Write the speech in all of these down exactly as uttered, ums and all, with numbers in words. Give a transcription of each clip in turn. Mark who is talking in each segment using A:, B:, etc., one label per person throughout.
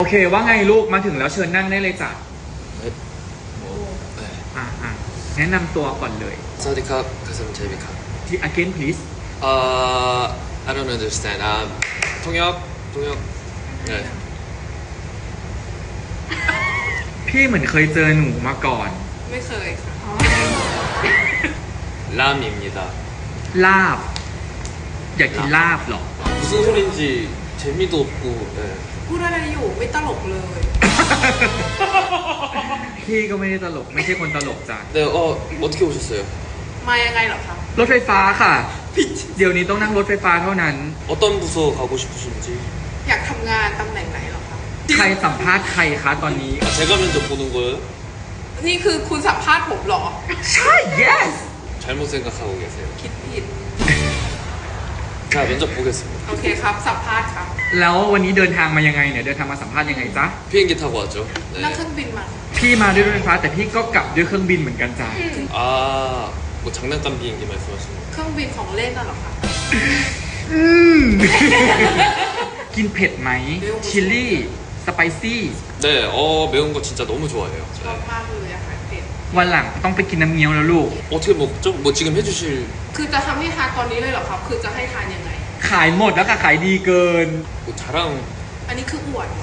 A: โอเคว่าไงลูกมาถึงแล้วเชิญนั่งได้เลยจ้ะ
B: 네. 뭐, 네.
A: อ่ะอ่ะแนะนำตัวก่อนเลย
B: 사와디캅, 가슴 제비캅.
A: ที่ again please
B: Uh, I don't understand. Um, 통역, 통역. 네.
A: พี่เหมือนเคยเจอหนูมาก่อน
C: ไม่เคยค่ะ
B: 람입니다.
A: ลาบ อยากกินลาบเหรอ
B: 무슨 소린지 재미도 없고. 네.
C: พูดอะไรอยู่ไม่ตลกเลย
A: พี่ก็ไม่ได้ตลกไม่ใช่คนตลกจ้ะ
B: 네, 어, 어떻게 오셨어요?
C: มายังไงเหรอคะ
A: รถไฟฟ้าค่ะ เดี๋ยวนี้ต้องนั่งรถไฟฟ้าเท่านั้น
B: 어떤 부서 가고 싶으신지.
C: อยากทำงานตำแหน่งไหนเหรอคะ
A: ใครสัมภาษณ์ใครคะตอนนี้
B: 아, 제가 면접 보는 거예요?
C: นี่คือคุณสัมภาษณ์ผมเหรอ
A: ใช่ yes
B: 잘못 생각하고 계세요.
C: คิดผิด
B: 자, 면접 보겠습니다.
C: โอเคครับ สัมภาษณ์ครับ
A: แล้ววันนี้เดินทางมายังไงเนี่ยเดินทางมาสัมภาษณ์ยังไงจ๊ะ
B: 비행기 타고 왔죠?
C: นั่งเค
B: 네.
C: รื่องบินมา
A: พี่มาด้วยรถไฟฟ้าแต่พี่ก็กลับด้วยเครื่องบินเหมือนกันจ้ะ
B: 아, 뭐 장난감 비행기 말씀하시는 거.
C: เครื่องบินของเล่นน่ะเหรอคะ
A: อืม กินเผ็ดไหมชิลลี่สไปซี่
B: 네, 어, 매운 거 진짜 너무 좋아해요.
C: ชอบ
B: 네.
C: มากเลยอาหารเผ็ด
A: วันหลังต้องไปกินน้ำเงี้ยวแล้วลูก
B: 어떻게 먹죠? 뭐 지금 해주실
C: คือจะทำให้ทานตอนนี้เลยเหรอครับ คือจะให้ทานยังไง
A: ขายหมดแล้วค่ะขายดีเกิน
B: 뭐 자랑
C: อันนี้คืออวด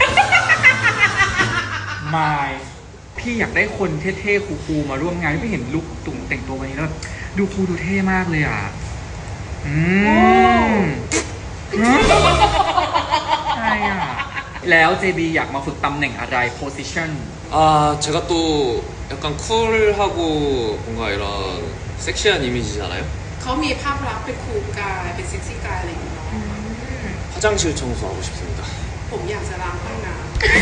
A: มายพี่อยากได้คนเท่ๆคูลๆมาร่วมงานพี่เห็นลุคตุ่มแต่งตัววันนี้แล้วแบบดูคูลดูเท่มากเลยอ่ะ อืมใช่อ่ะ แล้ว เจ บี อยากมาฝึกตำแหน่งอะไร position
B: 아 제가 또 약간 쿨하고 뭔가 이런 섹시한 이미지잖아요.
C: เขามีภาพลักษณ์เป็นคูลกายเป็นเซ็กซี่กายอะไรอย่างเงี้ยเนาะ
B: 화장실 청소하고 싶습니다.
C: ผมอยากจะล้างห้องน้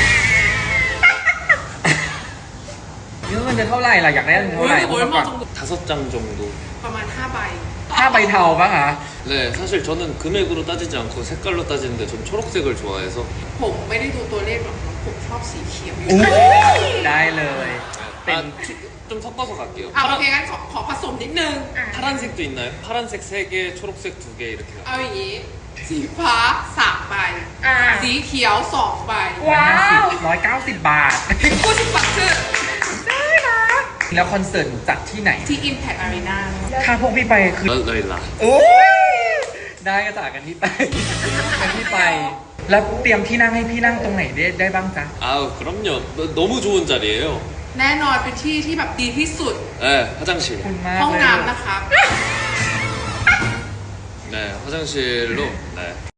A: เงินจะเท่าไหร่ล่ะอยากได้เงิน
C: ำ
A: เท่าไหร่
C: โอ้ย
A: ก่อน
B: 다섯 장 정도.
C: ประมาณห้าใบ
A: ห้าใบเทาปะคะ
B: 네, 사실 저는 금액으로 따지지 않고 색깔로 따지는데 전 초록색을 좋아해서
C: ผมไม่ได้ดูตัวเลขหรอกครับผมชอบสีเขียวอยู่
A: ได้เลย
B: 아, 피- 좀 섞어서 갈게요.
C: เอาโอ
B: 파란,
C: เคงั้นขอขอผสมนิดนึง
B: 파란색도 있나요? 파란색 세 개, 초록색 두 개 이렇게
C: เอา
B: 갈게요.
C: อย่างนี้ สีฟ้าสามใบ
D: อ่า
C: สีเขียวสองใบ
D: ว้าว
A: ร้อยเก้าสิบบาท
C: กูสิบบัตชื่อ
A: แล้วคอนเสิร์ตหนูจัดที่ไหน
C: ที่ Impact Arena
A: ถ้าพวกพี่ไปคือ
B: 라- 라일라.
A: โอ้ยได้ก็จากกันที่ไปกันที่ไป แล้วเตรียมที่นั่งให้พี่นั่งตรงไหนได้ได้บ้างจ๊ะ
B: 아우 그럼요. 너- 너무 좋은 자리예요.
C: แน่นอนเป็นที่ที่แบบดีที่สุด
B: 네, 화장실.
A: คุณมาก
C: ห้อง
A: เลย
C: น้ำนะครับ
B: 네, 화장실로. 네.